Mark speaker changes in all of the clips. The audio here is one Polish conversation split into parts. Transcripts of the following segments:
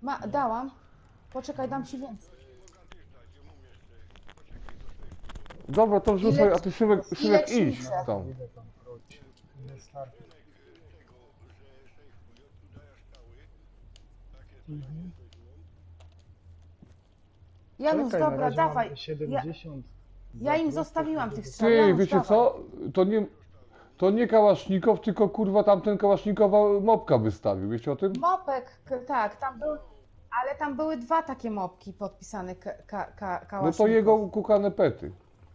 Speaker 1: Dałam. Poczekaj, dam ci więcej.
Speaker 2: Dobra, to wrzucaj, a ty Szymek
Speaker 1: ile
Speaker 2: idź
Speaker 1: ci
Speaker 2: tam.
Speaker 3: Ile tam wróci? Ile starczy? Mhm.
Speaker 1: Janusz,
Speaker 3: Czekaj, na
Speaker 1: dobra,
Speaker 3: razie
Speaker 1: dawaj.
Speaker 3: mam 70.
Speaker 1: Ja im
Speaker 3: zakrutów,
Speaker 1: zostawiłam tych
Speaker 3: 70.
Speaker 1: strzał.
Speaker 2: Ty,
Speaker 1: Janusz,
Speaker 2: wiecie
Speaker 1: dawaj.
Speaker 2: co? To nie kałasznikow, tylko kurwa tamten kałasznikowa mopka wystawił, wiecie o tym?
Speaker 1: Mopek, tak, tam był, ale tam były dwa takie mopki podpisane
Speaker 2: No to
Speaker 1: Kałasznikow.
Speaker 2: jego kukane pety.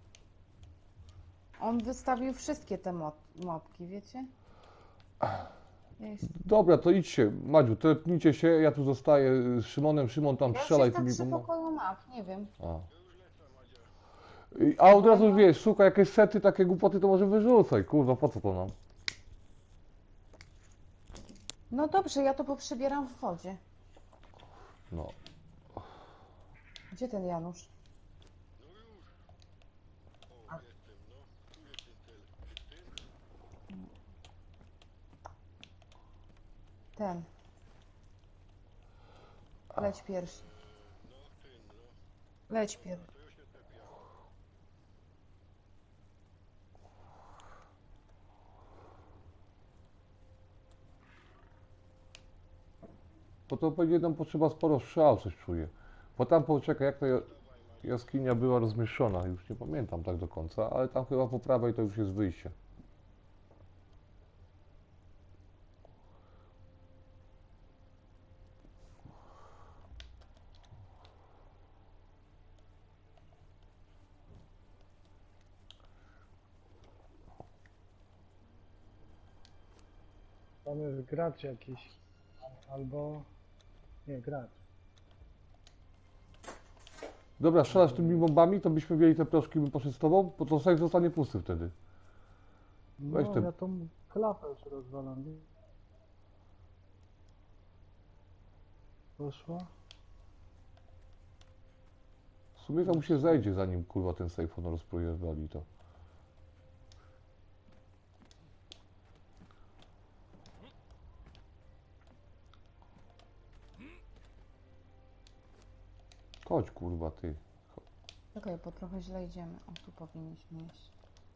Speaker 1: On wystawił wszystkie te mopki, wiecie?
Speaker 2: Dobra, to idźcie, Madziu, tepnijcie się, ja tu zostaję z Szymonem, Szymon tam
Speaker 1: Ja już
Speaker 2: strzelaj
Speaker 1: jestem
Speaker 2: tymi
Speaker 1: przy
Speaker 2: bombami.
Speaker 1: pokoju map, nie wiem.
Speaker 2: A od razu wiesz, szukaj jakieś sety, takie głupoty, to może wyrzucaj, kurwa, po co to nam?
Speaker 1: No dobrze, ja to poprzebieram w wodzie.
Speaker 2: No.
Speaker 1: Gdzie ten Janusz? Ten. Leć pierwszy. Leć pierwszy.
Speaker 2: Bo to będzie nam potrzeba sporo strzał, coś czuję. Bo tam poczekaj, jak ta jaskinia była rozmieszczona, już nie pamiętam tak do końca, ale tam chyba po prawej to już jest wyjście.
Speaker 3: Tam jest gracz jakiś. Albo... Nie, gracz.
Speaker 2: Dobra, strzelasz tymi bombami, to byśmy mieli te proszki, bym poszedł z tobą, bo to safe zostanie pusty wtedy. Weź
Speaker 3: No,
Speaker 2: te-
Speaker 3: ja tą klapę już rozwalam. Poszło?
Speaker 2: W sumie tam się zejdzie, zanim kurwa ten safe on rozprojewali to. Chodź kurwa ty.
Speaker 1: Czekaj, bo trochę źle idziemy. O, tu powinniśmy iść.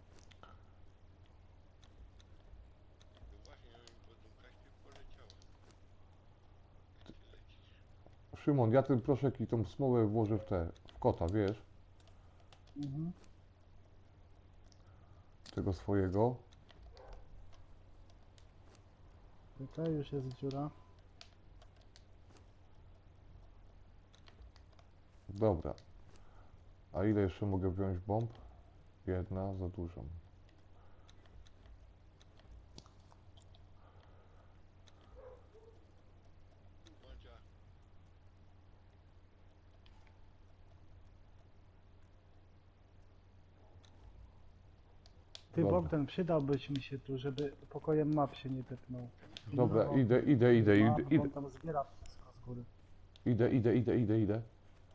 Speaker 2: Szymon, ja ten proszek i tą smołę włożę w kota, wiesz?
Speaker 3: Mhm.
Speaker 2: Tego swojego.
Speaker 3: Tutaj już jest dziura.
Speaker 2: Dobra. A ile jeszcze mogę wziąć bomb? Jedna, za dużo.
Speaker 3: Ty
Speaker 2: Dobra.
Speaker 3: Bogdan, przydałbyś mi się tu, żeby pokojem map się nie tepnął.
Speaker 2: Dobra,
Speaker 3: No,
Speaker 2: idę.
Speaker 3: On tam zbiera wszystko z góry.
Speaker 2: Idę.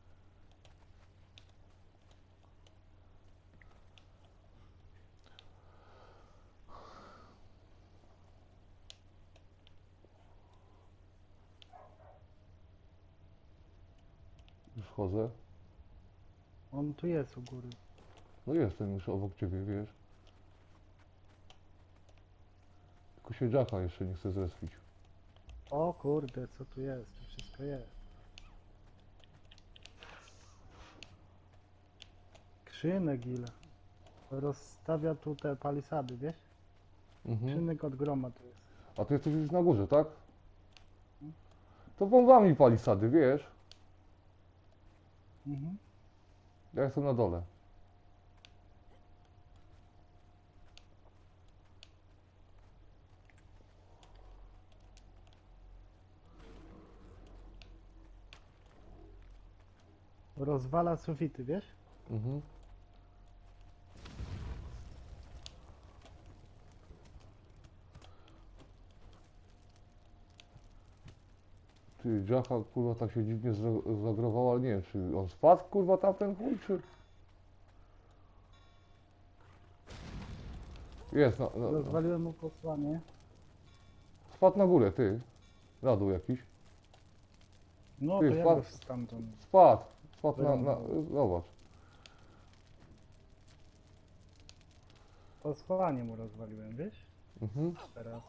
Speaker 2: Już chodzę.
Speaker 3: On tu jest u góry.
Speaker 2: No jestem już obok ciebie, wiesz. Tylko się Jacka jeszcze nie chce zrespić.
Speaker 3: O kurde, co tu jest? Tu wszystko jest. Krzynek ile? Rozstawia tu te palisady, wiesz?
Speaker 2: Mhm.
Speaker 3: Krzynek od groma tu jest.
Speaker 2: A ty jesteś już na górze, tak? To bombami palisady, wiesz?
Speaker 3: Mhm.
Speaker 2: Ja jestem na dole.
Speaker 3: Rozwala sufity, wiesz?
Speaker 2: Mhm. Ty, Jacka kurwa tak się dziwnie zagrował, ale nie wiem, czy on spadł kurwa tamten chuj, czy... Jest, no.
Speaker 3: Rozwaliłem mu posłanie.
Speaker 2: Spadł na górę, ty. Na dół jakiś.
Speaker 3: No
Speaker 2: Ty,
Speaker 3: to ja
Speaker 2: wpadł.
Speaker 3: go stamtąd.
Speaker 2: Spadł na,
Speaker 3: Wyrąbał.
Speaker 2: zobacz.
Speaker 3: Po schowanie mu rozwaliłem, wiesz?
Speaker 2: Mhm.
Speaker 3: Teraz.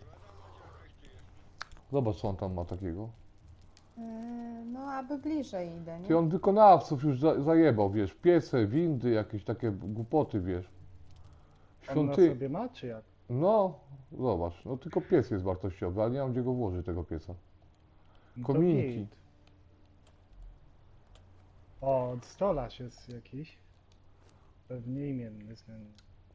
Speaker 2: Zobacz, co on tam ma takiego.
Speaker 1: No, aby bliżej idę,
Speaker 2: Ty,
Speaker 1: nie?
Speaker 2: on wykonawców już zajebał, wiesz, piece, windy, jakieś takie głupoty, wiesz.
Speaker 3: On na
Speaker 2: Świąty...
Speaker 3: sobie ma, czy jak?
Speaker 2: No, zobacz, no tylko piec jest wartościowy, ale nie mam gdzie go włożyć, tego pieca.
Speaker 3: No to
Speaker 2: Kominki.
Speaker 3: git. O, stolarz jest jakiś. Pewnie imienny względnie.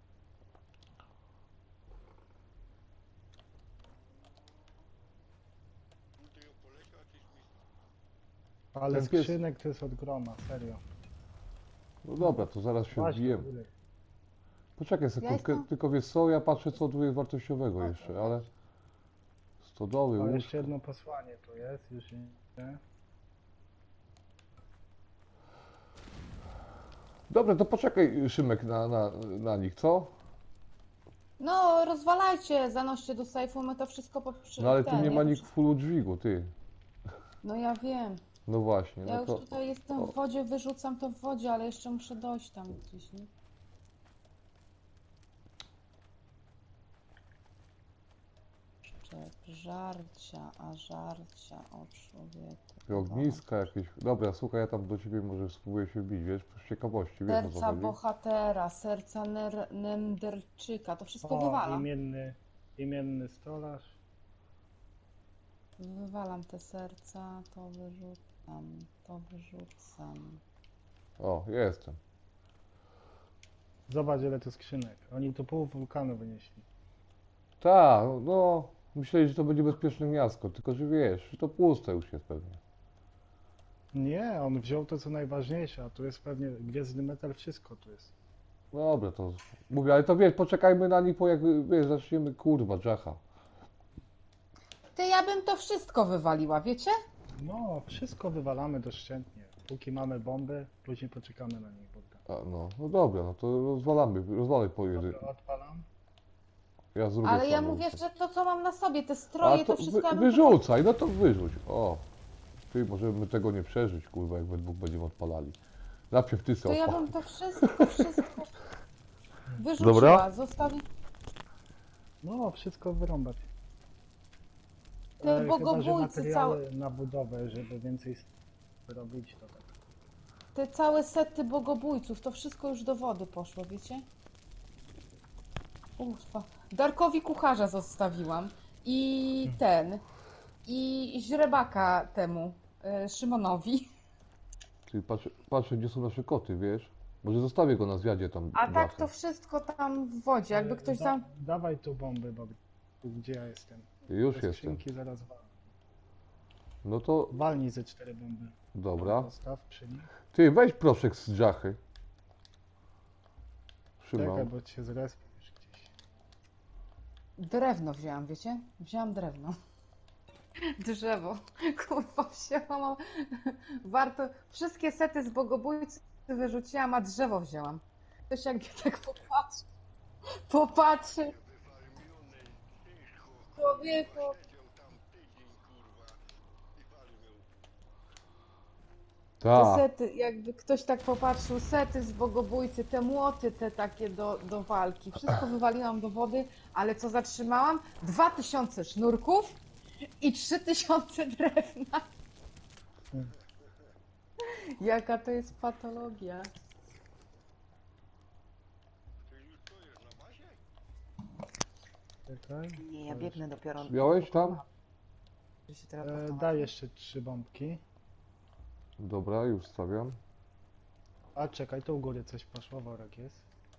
Speaker 3: Ale
Speaker 2: Ten pies-
Speaker 3: skrzynek to jest od groma, serio.
Speaker 2: No dobra, to zaraz się
Speaker 3: Właśnie,
Speaker 2: wbijemy.
Speaker 3: góry.
Speaker 2: Poczekaj sekundkę,
Speaker 1: jestem-
Speaker 2: tylko wiesz co, ja patrzę co tu jest wartościowego jeszcze, ale... Stodoły,
Speaker 3: O,
Speaker 2: łóżka.
Speaker 3: jeszcze jedno posłanie tu jest, już nie.
Speaker 2: Dobra, to poczekaj Szymek na nich, co?
Speaker 1: No, rozwalajcie, zanoście do sejfu, my to wszystko poprzy...
Speaker 2: No ale tu
Speaker 1: ten,
Speaker 2: nie ma
Speaker 1: ja
Speaker 2: nikt w fullu dźwigu, ty.
Speaker 1: No ja wiem.
Speaker 2: No właśnie,
Speaker 1: Ja
Speaker 2: no
Speaker 1: już
Speaker 2: to...
Speaker 1: tutaj jestem w wodzie, wyrzucam to w wodzie, ale jeszcze muszę dojść tam gdzieś, nie? Szczep, żarcia, a żarcia, o człowieku.
Speaker 2: Te ogniska jakieś. Dobra, słuchaj, ja tam do ciebie może spróbuję się wbić, wiesz, z ciekawości, wiesz o co
Speaker 1: Serca
Speaker 2: chodzi.
Speaker 1: bohatera, serca Nenderczyka, to wszystko
Speaker 3: O,
Speaker 1: wywalam.
Speaker 3: imienny stolarz.
Speaker 1: Wywalam te serca, to wyrzucam, to wyrzucam.
Speaker 2: O, jestem.
Speaker 3: Zobacz ile tu skrzynek. Oni tu pół wulkanu wynieśli.
Speaker 2: Tak, no, myśleli, że to będzie bezpieczne miasto, tylko że wiesz, że to puste już jest pewnie.
Speaker 3: Nie, on wziął to co najważniejsze, a tu jest pewnie gwiezdny metal, wszystko tu jest.
Speaker 2: Dobra, to mówię, ale to wiesz, poczekajmy na nich, bo jak wiesz, zaczniemy, kurwa, dżacha.
Speaker 1: Ty, ja bym to wszystko wywaliła, wiecie?
Speaker 3: No, wszystko wywalamy doszczętnie. Póki mamy bomby, później poczekamy na nich. Bogdan.
Speaker 2: A, no dobra, no to rozwalaj po jednym.
Speaker 3: Dobra, odpalam.
Speaker 2: Ja z drugiej
Speaker 1: Ale ja
Speaker 2: strony
Speaker 1: mówię,
Speaker 2: rzucę.
Speaker 1: że to co mam na sobie, te
Speaker 2: A
Speaker 1: stroje,
Speaker 2: to
Speaker 1: to wszystko ja bym
Speaker 2: wyrzucaj, no to wyrzuć. O, ty, możemy tego nie przeżyć, kurwa, jak we dwóch będziemy odpalali. Najpierw ty
Speaker 1: To
Speaker 2: sobie
Speaker 1: ja
Speaker 2: odpal.
Speaker 1: bym to wszystko wyrzuciła,
Speaker 2: Dobra.
Speaker 1: zostawi...
Speaker 3: No, wszystko wyrąbać.
Speaker 1: Ty,
Speaker 3: Chyba, że
Speaker 1: bogobójcy
Speaker 3: materiały na budowę, żeby więcej robić, to tak.
Speaker 1: Te całe sety bogobójców, to wszystko już do wody poszło, wiecie? Ufa. Darkowi kucharza zostawiłam. I i źrebaka temu, Szymonowi.
Speaker 2: Ty, patrzę, gdzie są nasze koty, wiesz? Może zostawię go na zwiadzie tam.
Speaker 1: A tak
Speaker 2: dachem.
Speaker 1: to wszystko tam w wodzie, jakby ktoś tam...
Speaker 3: Dawaj tu bomby, bo tu gdzie ja jestem.
Speaker 2: Już
Speaker 3: Te
Speaker 2: jestem.
Speaker 3: skrzynki zaraz walę.
Speaker 2: No to,
Speaker 3: Walnij ze 4 bomby.
Speaker 2: dobra.
Speaker 3: Postaw przy nich.
Speaker 2: Ty, weź proszek z dżachy.
Speaker 3: Czekaj,
Speaker 2: Szymon.
Speaker 3: bo cię zrespisz gdzieś.
Speaker 1: Drewno wzięłam, wiecie? Wzięłam drewno. Drzewo. Kurwa, wzięłam. Warto... Wszystkie sety z bogobójcy wyrzuciłam, a drzewo wzięłam. Ktoś jakby tak popatrzy. Popatrzy. Człowieku. Te
Speaker 2: Tak.
Speaker 1: sety, jakby ktoś tak popatrzył, sety z bogobójcy, te młoty, te takie do walki. Wszystko wywaliłam do wody, ale co zatrzymałam? 2000 sznurków i 3000 drewna. Jaka to jest patologia.
Speaker 3: Czekaj.
Speaker 1: Nie, ja biegnę dopiero.
Speaker 2: Miałeś tam?
Speaker 1: Że się teraz
Speaker 3: Daj jeszcze 3 bombki.
Speaker 2: Dobra, już stawiam.
Speaker 3: A czekaj, tu u góry coś poszło, worek jest.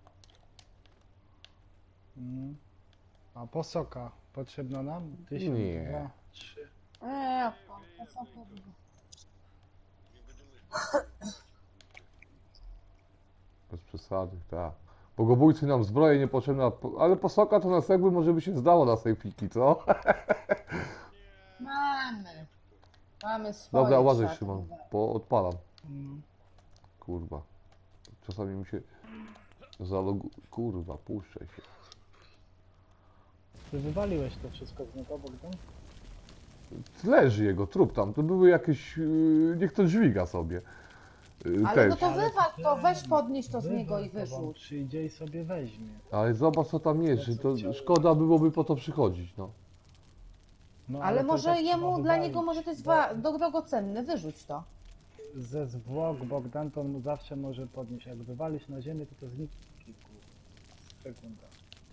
Speaker 3: A posoka potrzebna nam? 1000,
Speaker 2: Nie.
Speaker 3: 2, 3.
Speaker 1: to są chyba.
Speaker 2: Bez przesady, tak. Bogobójcy nam zbroje niepotrzebna, ale posoka to nas jakby może by się zdało na tej pliki, co?
Speaker 1: Mamy. Mamy swoje.
Speaker 2: Dobra, uważaj
Speaker 1: szaty.
Speaker 2: Szymon, bo odpalam.
Speaker 3: Mm.
Speaker 2: Kurwa. Czasami mi się zalogu... Kurwa, puszczaj się.
Speaker 3: Ty wywaliłeś to wszystko z niego, Bogdan?
Speaker 2: leży jego trup tam. To były jakieś... niech to dźwiga sobie.
Speaker 1: Ale no
Speaker 2: Też.
Speaker 1: to wywal to, weź
Speaker 3: ten,
Speaker 1: podnieś to z niego i
Speaker 3: wywal to, bo on
Speaker 1: wyrzuć.
Speaker 3: przyjdzie i sobie weźmie.
Speaker 2: Ale zobacz co tam jest, że to szkoda byłoby po to przychodzić, no.
Speaker 3: No,
Speaker 1: Ale
Speaker 3: to i
Speaker 1: może
Speaker 3: tak trzeba
Speaker 1: jemu, dla niego
Speaker 3: wywalić,
Speaker 1: może to jest
Speaker 3: bo
Speaker 1: drogocenny, wyrzuć to.
Speaker 3: ze zwłok Bogdan to on zawsze może podnieść. Jak wywalisz na ziemię, to zniknie w kilku sekundach.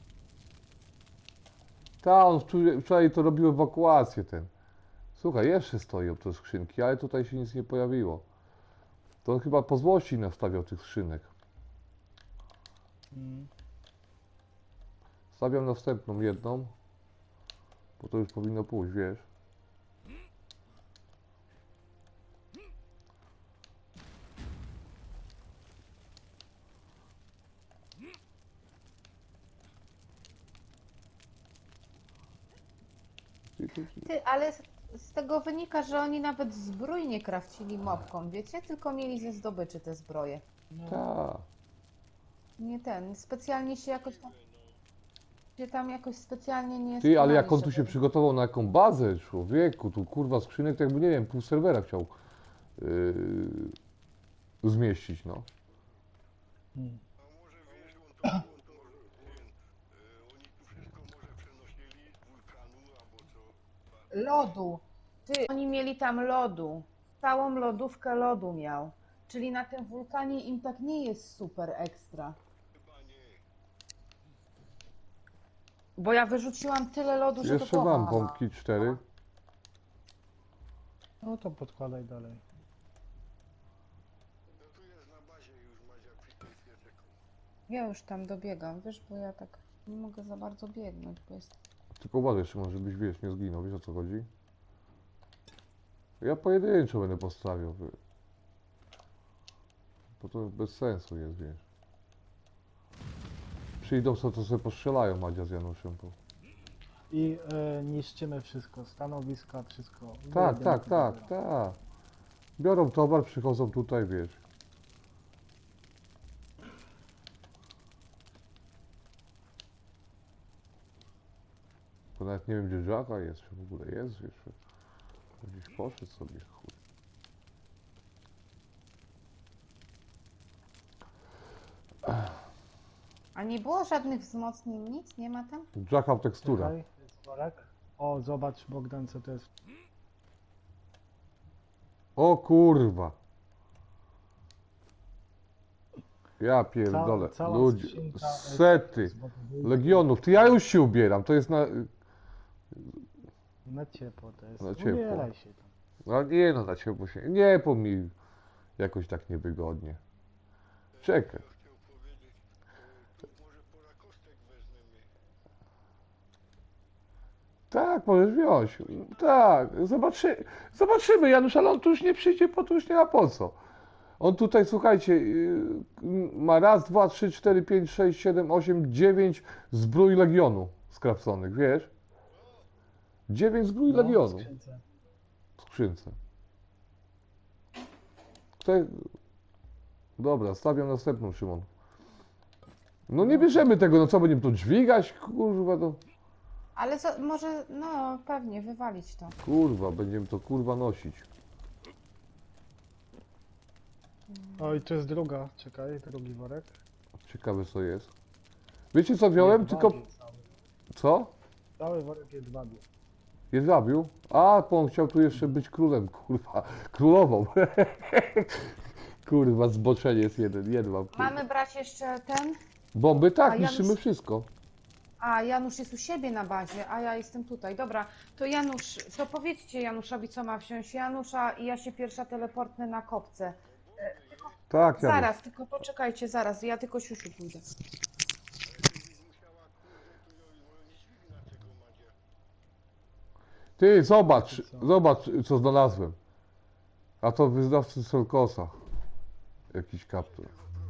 Speaker 2: Ta, on wczoraj to robił ewakuację ten. Słuchaj, jeszcze stoją te skrzynki, ale tutaj się nic nie pojawiło. To on chyba po złości nastawiał tych skrzynek.
Speaker 3: Mm.
Speaker 2: Stawiam następną jedną, bo to już powinno pójść, wiesz.
Speaker 1: Ty, ale z tego wynika, że oni nawet zbrój nie krawcili mopką, wiecie? Tylko mieli ze zdobyczy te zbroje.
Speaker 3: No,
Speaker 2: Tak.
Speaker 1: Nie ten, specjalnie się jakoś tam... Się tam jakoś specjalnie nie
Speaker 2: Ty, ale jak
Speaker 1: starali,
Speaker 2: on tu się
Speaker 1: żeby-
Speaker 2: przygotował na jaką bazę, człowieku, tu kurwa skrzynek, to jakby nie wiem, pół serwera chciał zmieścić, no.
Speaker 3: mm.
Speaker 4: A może wiesz, on to może, oni tu wszystko może przenosili z wulkanu albo co.
Speaker 1: Lodu. Ty, oni mieli tam lodu. Całą lodówkę lodu miał. Czyli na tym wulkanie im tak nie jest super ekstra.
Speaker 4: Chyba nie.
Speaker 1: Bo ja wyrzuciłam tyle lodu, że
Speaker 2: Jeszcze
Speaker 1: to
Speaker 2: mam
Speaker 1: głowa.
Speaker 2: bombki 4.
Speaker 3: No to podkładaj dalej.
Speaker 4: No tu jest na bazie już Madzia kwitnie świeczek.
Speaker 1: Ja już tam dobiegam, wiesz, bo ja tak nie mogę za bardzo biegnąć, bo jest...
Speaker 2: Tylko uważaj, Szymon, żebyś, wiesz, nie zginął, wiesz o co chodzi? Ja pojedynczo będę postawiał, bo to bez sensu jest, wiesz. Przyjdą sobie, to sobie postrzelają Madzia z Januszem.
Speaker 3: I niszczymy wszystko, stanowiska, wszystko.
Speaker 2: Tak,
Speaker 3: Wyjebiemy
Speaker 2: tak,
Speaker 3: to
Speaker 2: tak,
Speaker 3: dobra.
Speaker 2: tak. Biorą towar, przychodzą tutaj, wiesz. Bo nawet nie wiem, gdzie Żaka jest, czy w ogóle jest, wiesz. Gdzieś poszedł sobie, chuj.
Speaker 1: A nie było żadnych wzmocnień, nic? Nie ma tam?
Speaker 2: Jaka tekstura.
Speaker 3: Czekaj, jest worek. O, zobacz Bogdan, co to jest.
Speaker 2: O kurwa. Ja pierdolę.
Speaker 3: Cała
Speaker 2: Ludzie,
Speaker 3: skrzynka,
Speaker 2: sety
Speaker 3: z Bogdan-
Speaker 2: legionów. Ty, ja już się ubieram, to jest na...
Speaker 3: Na ciepło to jest.
Speaker 2: Na ciepło.
Speaker 3: Ubieraj się tam.
Speaker 2: No nie no, na ciepło się... Nie, po mi jakoś tak niewygodnie. Czekaj.
Speaker 4: Chciał powiedzieć, to może pora kostek weźmiemy.
Speaker 2: Tak, możesz wziąć. Tak, zobaczymy, Janusz, ale on tu już nie przyjdzie, po to już nie ma po co. On tutaj, słuchajcie, ma raz, dwa, trzy, cztery, pięć, sześć, siedem, osiem, 9 zbrój Legionu skrapconych, wiesz? 9 zbrój
Speaker 3: No,
Speaker 2: Legionu
Speaker 3: skrzynce.
Speaker 2: w skrzynce. Tutaj... Dobra, stawiam następną, Szymon. No nie bierzemy tego, no co, będziemy to dźwigać? Kurwa, to...
Speaker 1: Ale co, może, no pewnie, wywalić to.
Speaker 2: Kurwa, będziemy to kurwa nosić.
Speaker 3: Oj, to jest druga, czekaj, drugi worek.
Speaker 2: Ciekawe co jest. Wiecie co wziąłem? Tylko...
Speaker 3: Jedwabiu cały.
Speaker 2: Co?
Speaker 3: Cały worek jedwabiu.
Speaker 2: Jedwabiu? A, bo on chciał tu jeszcze być królem, kurwa. Królową. Kurwa, zboczenie jest jeden, jedwab. kurwa.
Speaker 1: Mamy brać jeszcze ten?
Speaker 2: Bomby? Tak,
Speaker 1: A
Speaker 2: niszczymy
Speaker 1: Janusz-
Speaker 2: wszystko.
Speaker 1: A, Janusz jest u siebie na bazie, a ja jestem tutaj. Dobra, to Janusz, to powiedzcie Januszowi, co ma wziąć Janusza i ja się pierwsza teleportnę na kopce.
Speaker 2: Tak, Janusz.
Speaker 1: Zaraz, tylko poczekajcie, zaraz, ja tylko siusiu pójdę.
Speaker 4: Musiała kurde, to nie dźwigna tego Madzia.
Speaker 2: Ty, zobacz, co znalazłem. A to wyznawcy Solkosa. Jakiś kaptur.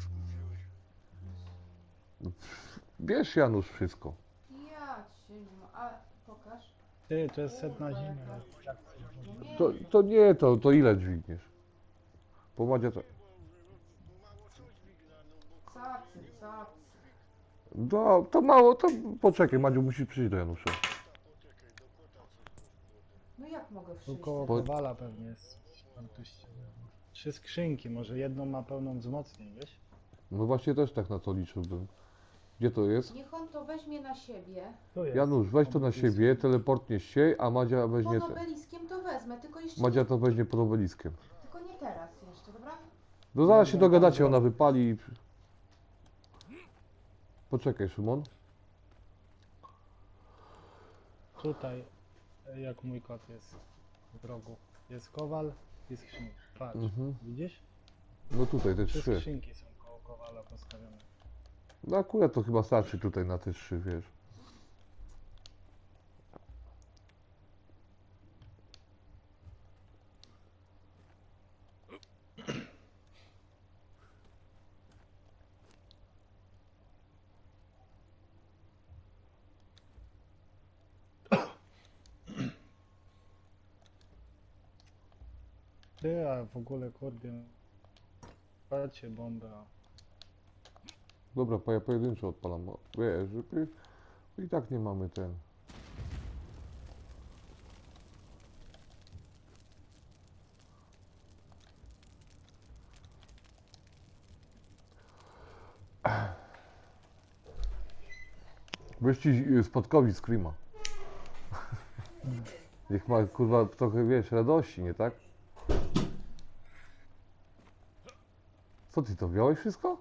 Speaker 2: Bierz, Janusz, wszystko.
Speaker 1: Ja cię, a pokaż.
Speaker 3: Ty, to jest set na zimę.
Speaker 2: To nie, to ile dźwigniesz? Pomadzie to...
Speaker 4: Mało co dźwigna, no bo
Speaker 1: Cacy.
Speaker 2: No, to mało, to poczekaj, Madziu, musisz przyjść do Janusza.
Speaker 4: poczekaj, do kota coś.
Speaker 1: No jak mogę
Speaker 3: Tu
Speaker 1: przyjść?
Speaker 3: koło
Speaker 2: Po-
Speaker 3: kowala pewnie jest. Wartości. 3 skrzynki, może jedną ma pełną wzmocnień, wiesz?
Speaker 2: No właśnie też tak na to liczyłbym. Gdzie to jest?
Speaker 1: Niech on to weźmie na siebie.
Speaker 3: Tu jest.
Speaker 2: Janusz, weź to na
Speaker 3: Obok
Speaker 2: siebie,
Speaker 3: jest.
Speaker 2: teleportnie się, a Madzia weźmie
Speaker 1: Pod
Speaker 2: te.
Speaker 1: obeliskiem to wezmę, tylko jeszcze
Speaker 2: Madzia
Speaker 1: nie,
Speaker 2: to weźmie pod obeliskiem.
Speaker 1: tylko nie teraz jeszcze, dobra?
Speaker 2: No zaraz się
Speaker 3: Dobra,
Speaker 2: dogadacie,
Speaker 3: tam
Speaker 2: ona wypali i... Poczekaj, Szymon.
Speaker 3: Tutaj, jak mój kot jest w rogu. Jest kowal i skrzynka. Patrz,
Speaker 2: Mhm.
Speaker 3: widzisz?
Speaker 2: No tutaj te
Speaker 3: 3
Speaker 2: trzy.
Speaker 3: skrzynki są koło kowala postawione.
Speaker 2: No akurat to chyba starczy tutaj na te trzy, wiesz.
Speaker 3: Ty, a w ogóle kurde. Patrzcie bombę.
Speaker 2: Dobra, ja pojedynczo odpalam, bo wiesz, żeby... I tak nie mamy ten... Wyścig Spotkowi Screama. Niech ma, kurwa, trochę, wiesz, radości, nie tak? Co ty to wziąłeś wszystko?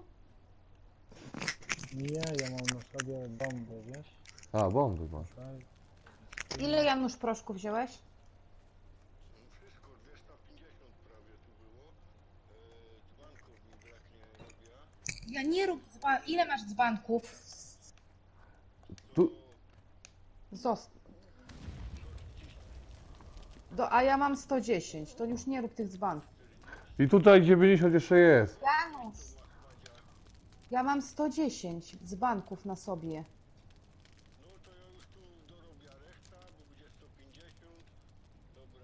Speaker 3: Nie, ja mam na sobie bomby, wiesz?
Speaker 2: A, bomby masz.
Speaker 3: Tutaj.
Speaker 1: Ile Janusz proszku wziąłeś?
Speaker 4: Wszystko 250 prawie tu było. Dzbanków mi braknie robię.
Speaker 1: Ja nie rób Ile masz dzbanków?
Speaker 2: Tu...
Speaker 1: A ja mam 110, to już nie rób tych dzbanków.
Speaker 2: I tutaj 90 jeszcze jest.
Speaker 1: Janusz! Ja mam 110 dzbanków na sobie.
Speaker 4: No to ja już tu dorobię reszta, bo będzie 150. Dobra,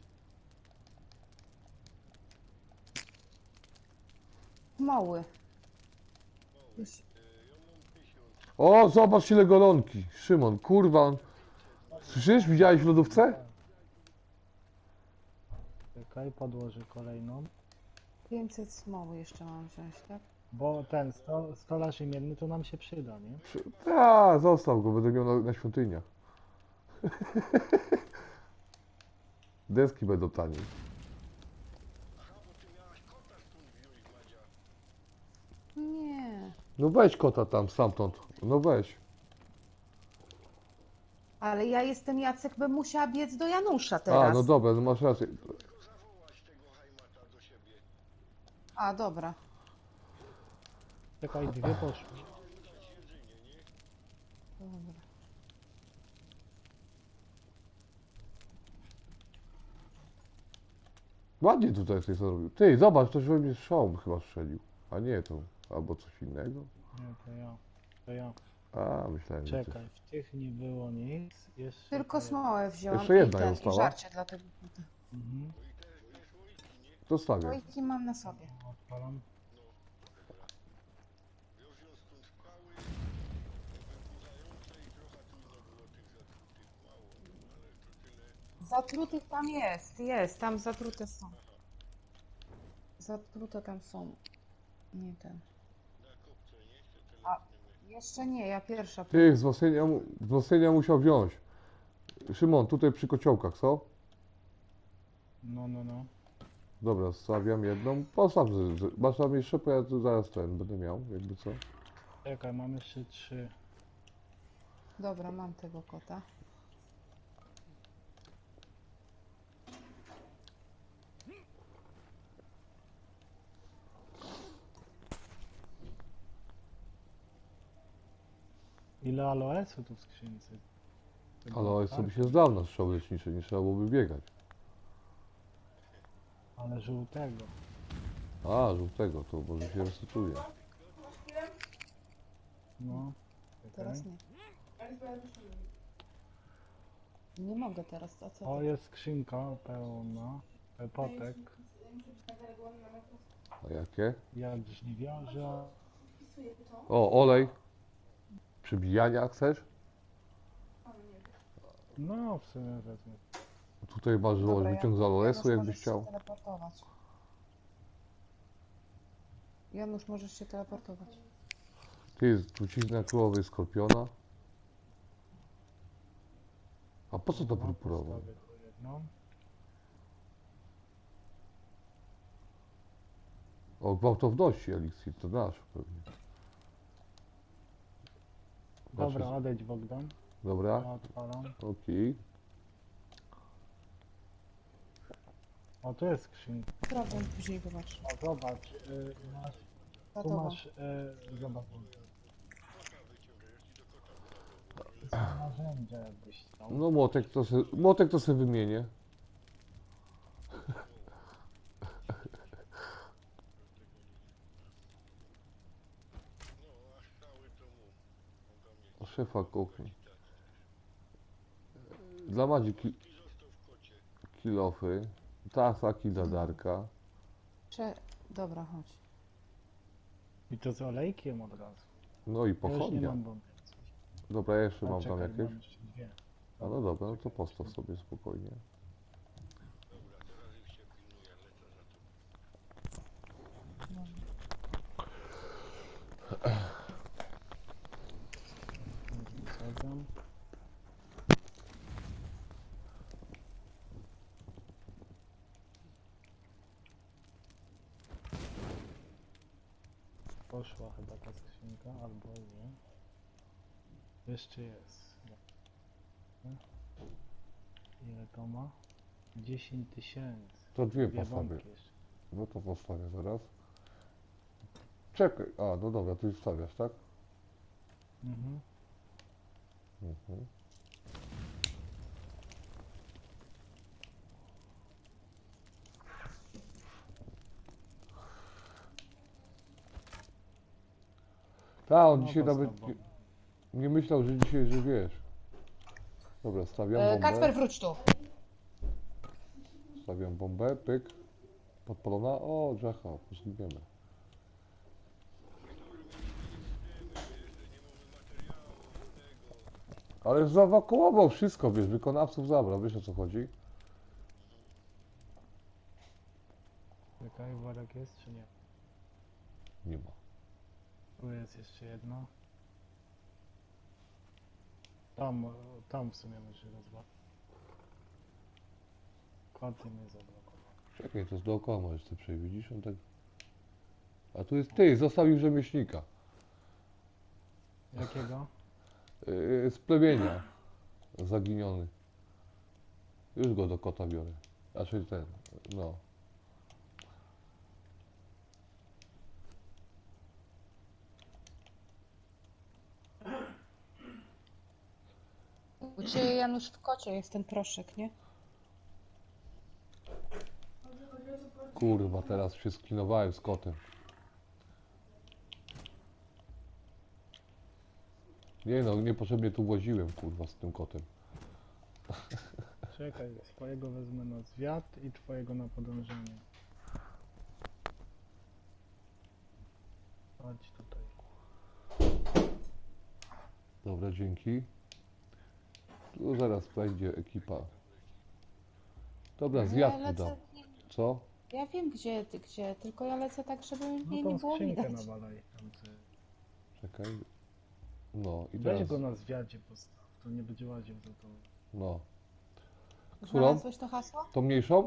Speaker 4: mam.
Speaker 1: Moły. Już.
Speaker 4: Ja mam 1000.
Speaker 2: O, zobacz ile golonki. Szymon, kurwa. Słyszysz? Widziałeś w lodówce?
Speaker 3: Czekaj, podłożę kolejną.
Speaker 1: 500 smoły jeszcze mam wziąć, tak?
Speaker 3: Bo ten stolarz imienny to nam się przyda, nie?
Speaker 2: A, zostaw go, będę miał na świątyniach. Deski będą taniej.
Speaker 4: Aha, bo ty miałaś kota stąd wziąć, Madzia.
Speaker 1: Nie.
Speaker 2: No weź kota tam, stamtąd. No weź.
Speaker 1: Ale ja jestem Jacek, bym musiała biec do Janusza
Speaker 2: A,
Speaker 1: teraz.
Speaker 2: no dobra, no masz rację.
Speaker 4: Zawołać tego hajmata do siebie.
Speaker 1: A, dobra.
Speaker 3: Czekaj, dwie poszły.
Speaker 4: Dać jedzenie, nie?
Speaker 1: Dobra.
Speaker 2: Ładnie tutaj coś zrobił. Ty, zobacz, ktoś we mnie strzał chyba strzelił. A nie, to albo coś innego.
Speaker 3: Nie, to ja. To ja.
Speaker 2: A, myślałem, że
Speaker 3: Czekaj, w tych nie było nic. Jeszcze
Speaker 1: Tylko
Speaker 3: to
Speaker 1: smołę wziąłam.
Speaker 2: Jeszcze jedna
Speaker 1: i
Speaker 2: została.
Speaker 1: i żarcie dla tego.
Speaker 3: Mhm.
Speaker 4: No i też wiesz, łyki, nie?
Speaker 2: Zostawię.
Speaker 1: Ojki mam na sobie.
Speaker 3: Odpalam.
Speaker 4: Ja wziąłem stąd skały, wybudzające i trochę trudno było tych zatrutych, mało, ale to tyle.
Speaker 1: Zatrutych tam jest, tam zatrute są. Zatrute tam są. Nie ten.
Speaker 4: Na kopce, nie? Te
Speaker 1: A.
Speaker 4: telefony.
Speaker 1: Jeszcze nie, ja pierwsza.
Speaker 2: Ty, wzmocnienia musiał wziąć. Szymon, tutaj przy kociołkach, co?
Speaker 3: No, no, no.
Speaker 2: Dobra, stawiam jedną. Postaw, masz tam jeszcze, bo ja tu zaraz ten będę miał, jakby co.
Speaker 3: Czekaj, mam jeszcze 3.
Speaker 1: Dobra, mam tego kota.
Speaker 3: Ile aloesu tu w skrzynce? Chyba,
Speaker 2: Ale
Speaker 3: tak?
Speaker 2: sobie się zdał na strzał leczniczy, nie trzeba byłoby biegać.
Speaker 3: Ale żółtego.
Speaker 2: A, żółtego, to może się resetuje.
Speaker 3: No. Czekaj.
Speaker 1: Teraz nie. Nie mogę teraz, a co?
Speaker 3: O, jest skrzynka pełna. Potek.
Speaker 2: A jakie?
Speaker 3: Jad żniwiarza.
Speaker 2: O, olej. Przybijania chcesz?
Speaker 3: No, w sumie wezmę.
Speaker 2: Tutaj masz
Speaker 1: Dobra,
Speaker 2: wyciąg z Aloesu,
Speaker 1: Janusz,
Speaker 2: jakbyś
Speaker 1: możesz
Speaker 2: chciał.
Speaker 1: się teleportować. Janusz, możesz się teleportować.
Speaker 2: Ty, trucizna królowej skorpiona. A po co to
Speaker 3: No,
Speaker 2: purpurowe?
Speaker 3: postawię tu jedną.
Speaker 2: O, gwałtowności eliksir, to nasz pewnie.
Speaker 3: Dobra,
Speaker 2: Patrzę,
Speaker 3: odejdź Bogdan.
Speaker 2: dobra,
Speaker 3: Ja odpalam.
Speaker 2: okej.
Speaker 3: O, tu jest skrzynka.
Speaker 1: Sprawdzę, później wybacz.
Speaker 3: O, zobacz, masz, tu
Speaker 1: Gotowa.
Speaker 3: masz, zobacz, narzędzia jakbyś chciał.
Speaker 2: No młotek to sobie wymienię.
Speaker 4: No, a cały to mu. Mogę mieć.
Speaker 2: Szefa kuchni. Dla Madzi
Speaker 4: I został w kocie.
Speaker 2: kilofy. Tasaki dla Darka.
Speaker 1: Dobra, chodź.
Speaker 3: I to z olejkiem od razu.
Speaker 2: No i
Speaker 3: Ja już nie
Speaker 2: pochodnia.
Speaker 3: mam bomby.
Speaker 2: Dobra, ja jeszcze
Speaker 3: A
Speaker 2: mam tam
Speaker 3: czekaj,
Speaker 2: jakieś.
Speaker 3: mam jeszcze dwie.
Speaker 2: A no dobra, no to postaw sobie spokojnie.
Speaker 4: Dobra, teraz już się pilnuję, lecę za to.
Speaker 3: Wsadzam. Poszła chyba ta skrzynka, albo nie. Jeszcze jest. Ile to ma? 10 000.
Speaker 2: To dwie
Speaker 3: Dwie
Speaker 2: postawię.
Speaker 3: bombki jeszcze.
Speaker 2: No to postawię zaraz. Czekaj, a no dobra, tu już stawiasz, tak?
Speaker 3: Mhm.
Speaker 2: Mhm. Tak, on
Speaker 3: No,
Speaker 2: dzisiaj
Speaker 3: postaw
Speaker 2: nawet
Speaker 3: bombę.
Speaker 2: nie myślał, że dzisiaj, że wiesz. Dobra, stawiam bombę.
Speaker 1: Kacper, wróć tu.
Speaker 2: Stawiam bombę, pyk. Podpalona. O, Jacka, zginiemy. Ale zaewakuował wszystko, wiesz, wykonawców zabrał, wiesz o co chodzi?
Speaker 3: Czekaj, worek jest czy nie?
Speaker 2: Nie ma.
Speaker 3: Tu jest jeszcze jedno. Tam, tam w sumie muszę rozwać. Koty mnie zablokowały.
Speaker 2: Czekaj, to jest dookoła możesz ty przejść, widzisz? On tak... A tu jest zostawił rzemieślnika.
Speaker 3: Jakiego?
Speaker 2: Z plemienia. Zaginiony. Już go do kota biorę. Znaczy ten, no.
Speaker 1: U Ciebie, Janusz, w kocie jest ten proszek, nie?
Speaker 2: Kurwa, teraz się sklinowałem z kotem. Nie no, niepotrzebnie tu właziłem, kurwa, z tym kotem.
Speaker 3: Czekaj, swojego wezmę na zwiat i twojego na podążenie. Chodź tutaj.
Speaker 2: Dobra, dzięki. Tu zaraz będzie ekipa. Dobra,
Speaker 1: Ja
Speaker 2: zjadł dam.
Speaker 1: lecę,
Speaker 2: Co?
Speaker 1: ja wiem gdzie, tylko ja lecę tak, żeby
Speaker 3: No
Speaker 1: mnie
Speaker 3: tą
Speaker 1: nie było
Speaker 3: skrzynkę
Speaker 1: widać.
Speaker 3: nawalaj. Tam
Speaker 2: Czekaj. No i
Speaker 3: Weź
Speaker 2: teraz,
Speaker 3: go na zwiadzie postaw, to nie będzie łaził za to.
Speaker 2: no.
Speaker 1: Znalazłeś to hasło?
Speaker 2: Tą mniejszą?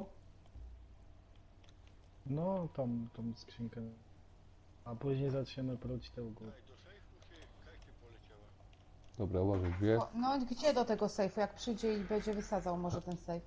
Speaker 3: No, tą skrzynkę. A później zaczniemy próć te u góry.
Speaker 4: Tak, do sejfu się kajcie poleciała.
Speaker 2: Dobra, uważaj, dwie.
Speaker 1: O, no gdzie do tego sejfu? Jak przyjdzie i będzie wysadzał może ten sejf.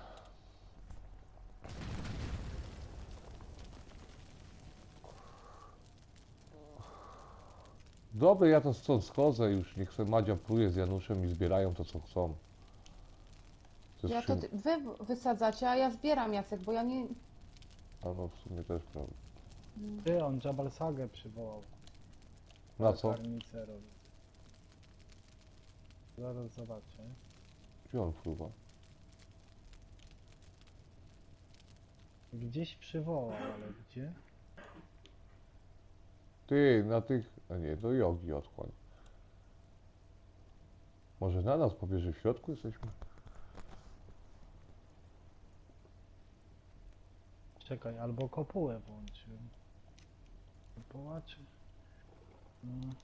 Speaker 2: Dobra, ja to stąd schodzę już. Niech sobie Madzia pluje z Januszem i zbierają to, co chcą. To jest
Speaker 1: Ja to wy wysadzacie, a ja zbieram, Jacek, bo ja nie...
Speaker 2: A no, w sumie też prawda.
Speaker 3: Ty, on Jabal Sagę przywołał.
Speaker 2: Na co?
Speaker 3: Karnicę robi. Zaraz zobaczę.
Speaker 2: Gdzie on fruwa?
Speaker 3: Gdzieś przywołał, ale gdzie?
Speaker 2: Ty, na tych... A nie, do jogi odchłań. Może na nas powie, że w środku jesteśmy?
Speaker 3: Czekaj, albo kopułę włączył. Kopuła czy... No.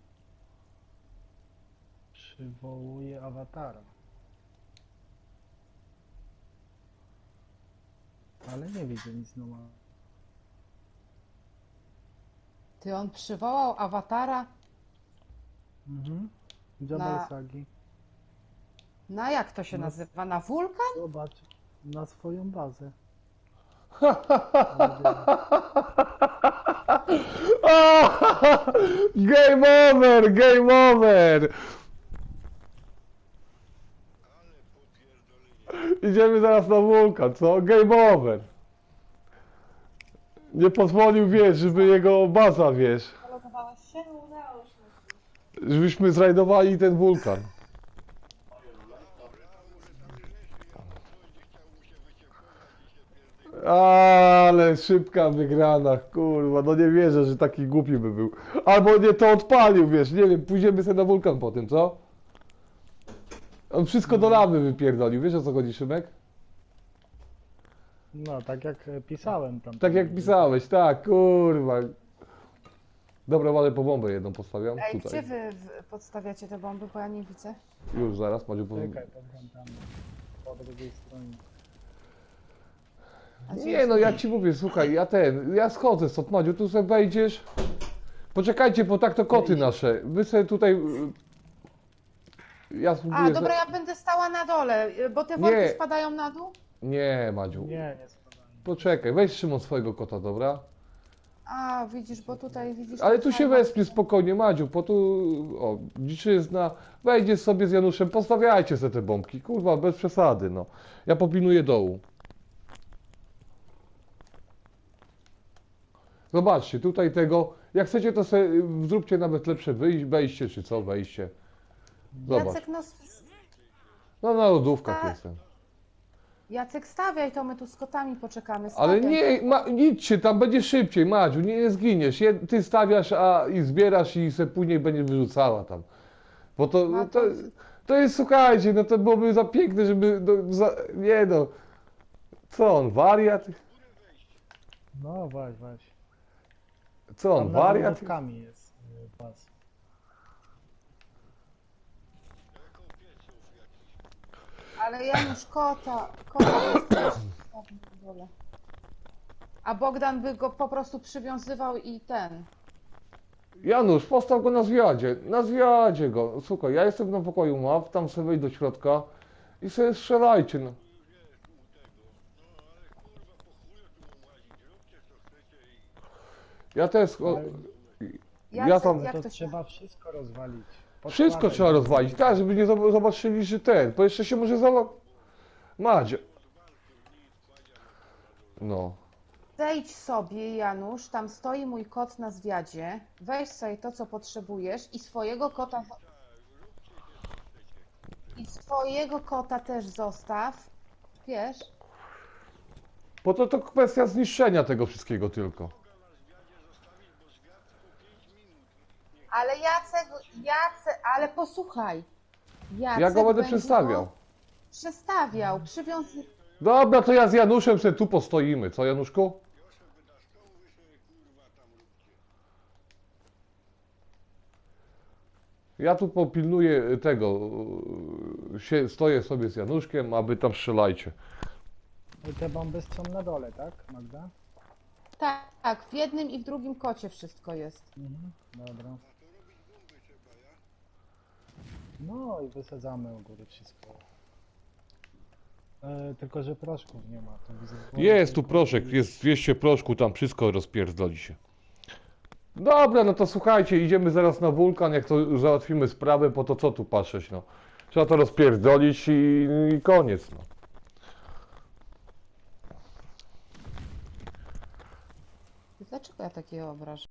Speaker 3: Przywołuje awatara. Ale nie widzę nic normalnego.
Speaker 1: Ty, on przywołał awatara
Speaker 3: Mhm. Jabal Sagi.
Speaker 1: na jak to się
Speaker 3: No.
Speaker 1: nazywa? Na wulkan?
Speaker 3: Zobacz na swoją bazę.
Speaker 2: Game over, game over!
Speaker 4: Ale popierdolenie.
Speaker 2: Idziemy zaraz na wulkan, co? Game over. Nie pozwolił, wiesz, żeby jego baza, wiesz,
Speaker 1: Zalogowałeś się? Udało się.
Speaker 2: żebyśmy zrajdowali ten wulkan. Ale szybka wygrana, kurwa, no nie wierzę, że taki głupi by był. Albo nie to odpalił, wiesz, nie wiem, pójdziemy sobie na wulkan po tym, co? On wszystko do lamy wypierdolił, wiesz o co chodzi, Szymek?
Speaker 3: No, tak jak pisałem tam.
Speaker 2: Tak jak pisałeś, tak, kurwa. Dobra, ładnie po bombę jedną postawiam,
Speaker 1: Ej,
Speaker 2: tutaj.
Speaker 1: gdzie wy podstawiacie te bomby, bo ja nie widzę.
Speaker 2: Już zaraz, Madziu, po...
Speaker 3: Czekaj, tam, po drugiej stronie.
Speaker 1: A gdzie
Speaker 2: Nie
Speaker 1: jest?
Speaker 2: no, ja ci mówię, słuchaj, ja schodzę stąd, Madziu, tu sobie wejdziesz. Poczekajcie, bo tak to koty nasze. Wy sobie tutaj... Ja spróbuję...
Speaker 1: A, dobra, ja będę stała na dole, bo te
Speaker 2: Nie.
Speaker 1: worki spadają na dół?
Speaker 2: Nie, Madziu.
Speaker 3: Nie spadałem.
Speaker 2: Poczekaj, weź Szymon swojego kota, dobra?
Speaker 1: A, widzisz, bo tutaj widzisz...
Speaker 2: Ale
Speaker 1: to
Speaker 2: tu się
Speaker 1: fajne.
Speaker 2: wespnie spokojnie, Madziu, po tu... O, dziczyzna. Wejdziesz sobie z Januszem, postawiajcie sobie te bombki. Kurwa, bez przesady, no. Ja popilnuję dołu. Zobaczcie, tutaj tego... Jak chcecie, to sobie zróbcie nawet lepsze wejście, czy co, wejście. Zobacz.
Speaker 1: Jacek, no...
Speaker 2: No na lodówkach
Speaker 1: Tak.
Speaker 2: jestem.
Speaker 1: Jacek, stawiaj to, my tu z kotami poczekamy.
Speaker 2: Ale
Speaker 1: Stawiaj.
Speaker 2: nie, idźcie, tam będzie szybciej, Madziu, nie zginiesz. Ty stawiasz i zbierasz i se później będziesz wyrzucała tam. Bo to,
Speaker 1: No
Speaker 2: to,
Speaker 1: to-
Speaker 2: to jest, słuchajcie, no to byłoby za piękne, żeby, nie no. Co on, wariat?
Speaker 3: No, weź.
Speaker 2: Co on,
Speaker 3: Tam nad
Speaker 2: wariat?
Speaker 3: lodówkami jest pas.
Speaker 1: Ale Janusz, kota jest też na dole. A Bogdan by go po prostu przywiązywał i ten.
Speaker 2: Janusz, postaw go na zwiadzie go. Słuchaj, ja jestem na pokoju map, tam sobie wejdź do środka i sobie strzelajcie, no. Ja też, ja
Speaker 1: Jacek,
Speaker 2: tam...
Speaker 1: jak
Speaker 3: To
Speaker 1: to się...
Speaker 3: trzeba wszystko rozwalić.
Speaker 2: Wszystko
Speaker 3: Podkładaj.
Speaker 2: trzeba rozwalić, tak, żeby nie zobaczyli, że bo jeszcze się może Madzia. No.
Speaker 1: Zejdź sobie, Janusz, tam stoi mój kot na zwiadzie. Weź sobie to, co potrzebujesz i swojego kota... I swojego kota też zostaw. Wiesz?
Speaker 2: Bo to kwestia zniszczenia tego wszystkiego tylko.
Speaker 1: Ale Jacek, ale posłuchaj. Jacek
Speaker 2: Ja go będę
Speaker 1: będzie
Speaker 2: przestawiał.
Speaker 1: go Przestawiał, przywiązał.
Speaker 2: Dobra, to ja z Januszem sobie tu postoimy, co Januszku? Ja tu popilnuję tego, stoję sobie z Januszkiem, a wy tam strzelajcie.
Speaker 3: I te bomby są na dole, tak, Magda?
Speaker 1: Tak, w jednym i w drugim kocie wszystko jest.
Speaker 3: Mhm. Dobra. No i wysadzamy u góry wszystko. Tylko, że proszków nie ma. To widzę.
Speaker 2: Jest tu proszek, jest 200 proszku, tam wszystko rozpierdoli się. Dobra, no to słuchajcie, idziemy zaraz na wulkan, jak to załatwimy sprawę, po to co tu patrzeć, no. Trzeba to rozpierdolić i koniec, no.
Speaker 1: Dlaczego ja takie obrażam?